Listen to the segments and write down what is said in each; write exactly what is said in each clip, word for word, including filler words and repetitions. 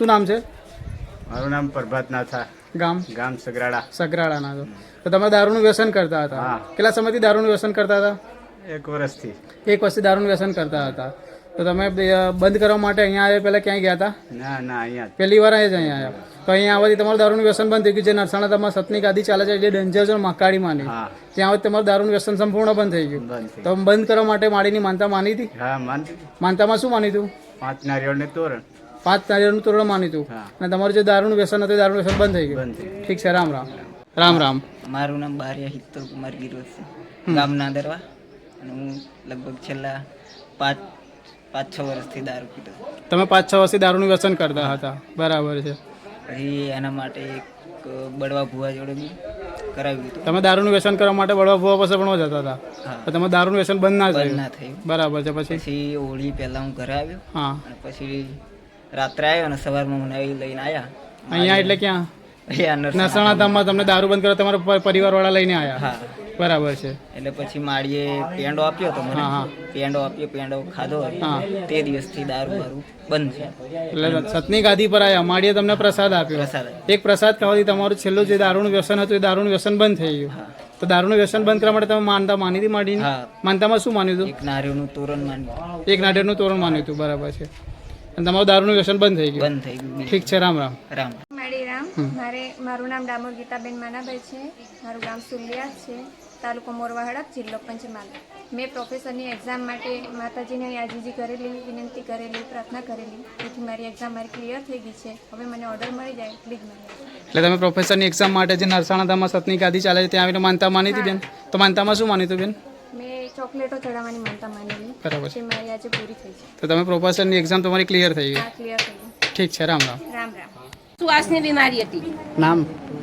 શું નામ છે? મારું નામ પ્રભાતનાથ ગામ ગામ સગરાડા સગરાડાના છો. તો તમે દારૂનું વ્યસન કરતા હતા? હા. કેટલા સમયથી દારૂનું વ્યસન કરતા હતા? એક વર્ષથી. એક વર્ષથી દારૂનું વ્યસન કરતા હતા. તો તમે બ- બંધ કરવા માટે અહીંયા આવ્યા પહેલાં ક્યાંય ગયા હતા? ના ના અહીંયા જ. પહેલી વાર અહીંયા જ અહીંયા આવ્યા. તો અહીંયા આવવાથી તમારું દારૂનું વ્યસન બંધ થઈ ગયું. જે નરસાણા તમારા સતની ગાદી ચાલે છે જે ડેન્જર ઝોન મહાકાળીમાંની, હા ત્યાં આવવાથી તમારું દારૂનું વ્યસન સંપૂર્ણ બંધ થઈ ગયું. બંધ થઈ. તો બંધ કરવા માટે માળીની માનતા માની હતી? હા માનતી. માનતામાં શું માન્યું હતું? પાંચ નારિયેળ ને તોરણ. પાંચ નારિયેળનું તોરણ માન્યું હતું. હા. અને તમારું જે દારૂનું વ્યસન હતું એ દારૂનું વ્યસન બંધ થઈ ગયું. બંધ થઈ. ઠીક છે. રામ રામ. રામ રામ. મારું નામ બારિયા હિત્તર કુમાર ગિરોજ છે, ગામ નાદરવા. અને હું લગભગ છેલ્લા પાંચ પાંચ છ વર્ષથી દારૂ પીતો છું. તમે પાંચ છ વર્ષથી દારૂનું વ્યસન કરતા હતા, બરાબર છે. પછી એના માટે એક બળવા ભુવા જોડે બી કરાવ્યું હતું. તમે દારૂનું વ્યસન કરવા માટે બળવા ભુવા પાસે પણ જતા હતા? હા. તો તમે દારૂનું વ્યસન બંધ ના બંધ થયું? ના થયું. બરાબર છે. પછી? પછી હોળી પહેલા હું ઘરે આવ્યો હા. અને પછી રાત્રે આવ્યો અને સવારમાં મને અહીં લઈને આવ્યા. અહીંયા એટલે ક્યાં? અહીંયા નરસાણા. નરસાણા ધામમાં તમને દારૂ બંધ કરવા તમારા પરિવાર વાળા લઈને આવ્યા? હા. બરાબર છે. એટલે પછી માળીએ પેંડો આપ્યો તો મને. હા, હા. પેંડો આપ્યો, પેંડો ખાધો. હા. તે દિવસથી દારૂ મારું બંધ છે. એટલે સતની ગાદી પર આવ્યા, માળીએ તમને પ્રસાદ આપ્યો. પ્રસાદ. એક પ્રસાદ ખાવાથી તમારું છેલ્લું જે દારૂનું વ્યસન હતું એ દારૂનું વ્યસન બંધ થઈ ગયું. હા. તો દારૂનું વ્યસન બંધ કરવા માટે તમે માનતા માની હતી માડીની? હા. માનતામાં શું માન્યું હતું? એક નારિયેળનું તોરણ માન્યું. એક નાળિયેરનું તોરણ માન્યું હતું, બરાબર છે. અને તમારું દારૂનું વ્યસન બંધ થઈ ગયું. બંધ થઈ ગયું. ઠીક છે. રામ રામ. રામ. મારી રામ. મારે મારું નામ ડામોર ગીતાબેન માનાભાઈ છે. મારું ગામ સુલિયા છે, તાલુકો મોરવા હડપ, જિલ્લો પંચમહાલ. મેં પ્રોફેસરની એક્ઝામ માટે માતાજીને યાજીજી કરેલી, વિનંતી કરેલી, પ્રાર્થના કરેલી. તેથી મારી એક્ઝામ મારી ક્લિયર થઈ ગઈ છે. હવે મને ઓર્ડર મળી જાય પ્લીઝ મને. એટલે તમે પ્રોફેસરની એક્ઝામ માટે જે નરસાણા ધામમાં સતની ગાદી ચાલે છે ત્યાં આવીને માનતા માની હતી બેન? તો માનતામાં શું માન્યું હતું બેન? મેં ચોકલેટો ચડાવવાની માનતા માનેલી, બરાબર છે. જે મારી આજે પૂરી થઈ છે. તો તમે પ્રોફેસરની એક્ઝામ તમારી ક્લિયર થઈ ગઈ? આ ક્લિયર થઈ ગઈ. ઠીક છે. રામ રામ. રામ રામ. શ્વાસની બીમારી હતી. નામ?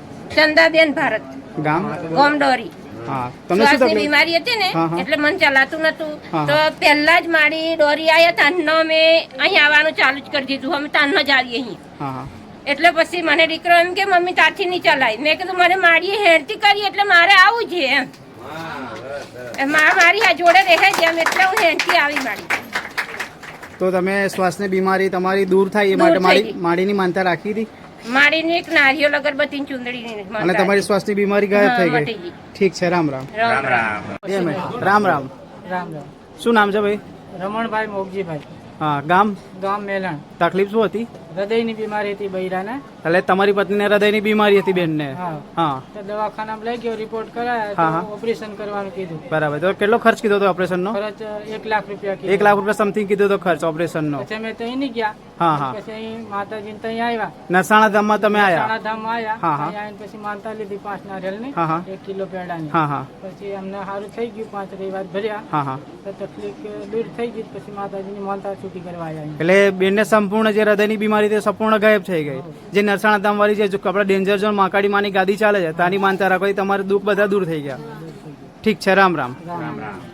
ચંદાબેન ભારત, ગામ? ગોમડોરી. હા. તમને શું શ્વાસની તકલીફ? બીમારી હતી ને, હા, હા. એટલે મને ચલાતું નતું. હા, તો પહેલા જ મારી ડોરી આયા તાનનો મેં અહીં આવવાનું ચાલુ જ કરી દીધું. અમે તાનનો જ આવીએ અહીં. હા હા. એટલે પછી મને દીકરો એમ કે મમ્મી તારથી નહીં ચલાય. મેં કીધું મને મારી હેરતી કરી એટલે મારે આવું છે એમ. એ મા મારી આ જોડે રહે છે એમ, એટલે હું હેરતી આવી મારી. તો તમે શ્વાસની બીમારી તમારી દૂર થાય એ દૂર માટે થઈ માડી ગઈ. માડીની માનતા રાખી હતી મારીને એક નારિયેળ અગરબત્તી ચૂંદડી અને તમારી શ્વાસની બીમારી ગાયબ થઈ મટી ગઈ? ગઈ. ઠીક છે. રામ રામ. રામ રામ. બે મિનિટ. રામ રામ. રામ રામ. શું નામ છે ભાઈ? રમણભાઈ મોગજીભાઈ, હા. ગામ? ગામ મેલણ. તકલીફ શું હતી? હૃદયની બીમારી હતી બૈરાને. એટલે તમારી પત્નીને હૃદયની બીમારી હતી બેનને? હા. હા. તો દવાખાનામાં લઈ ગયો, રિપોર્ટ હા, કરાયા હા. તો ઓપરેશન કરવાનું કીધું. બરાબર. તો કેટલો ખર્ચ કીધો હતો ઓપરેશનનો? ખર્ચ એક લાખ રૂપિયા એક કીધું. લાખ રૂપિયા સમથિંગ કીધો હતો ખર્ચ ઓપરેશનનો. પછી અમે ત્યાં નહીં ગયા. હા હા. પછી અહીં માતાજીને ત્યાં આવ્યા. નરસાણા ધામમાં તમે આવ્યા? સાણાધામમાં આવ્યા. હા, હા. ત્યાં આવીને પછી માનતા લીધી પાંચ નારિયેળની, હા, હા. એક કિલો પેડાની. હા હા. પછી અમને સારું થઈ ગયું, પાંચ રવિવાર ભર્યા હા હા. તો તકલીફ દૂર થઈ ગઈ. પછી માતાજીની માનતા છૂટી કરવા આવ્યા અહીં. એટલે બેનને સંપૂર્ણ જે હૃદયની બીમારી તે સંપૂર્ણ ગાયબ થઈ ગઈ. જે નરસાણા ધામ વાળી જે આપણા ડેન્જર ઝોન મહાકાળી માની ગાદી ચાલે છે ત્યાંની માનતા રાખવાથી તમારે દુઃખ બધા દૂર થઈ ગયા. ઠીક છે. રામ રામ. રામ રામ.